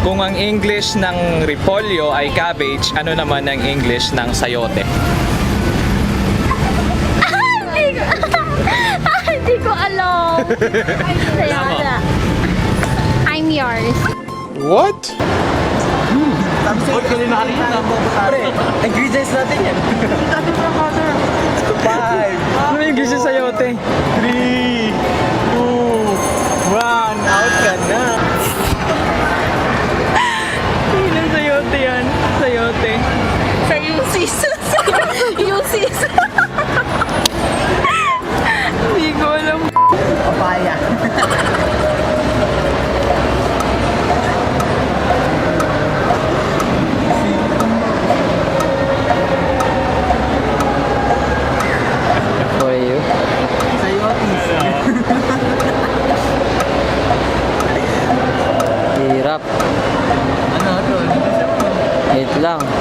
Kung ang English ng repolyo ay cabbage, ano naman ang English ng sayote? Hindi ko alam. Sayada. I'm yours. What? Ingredients natin yan. Ano yung English ng sayote? 3, 2, 1, out ka na. Yung sayote yan. Sayote. Sa UCs. UCs. Hindi ko alam. Papaya. For you? Sayotis. Hirap. Ano to? Wait lang.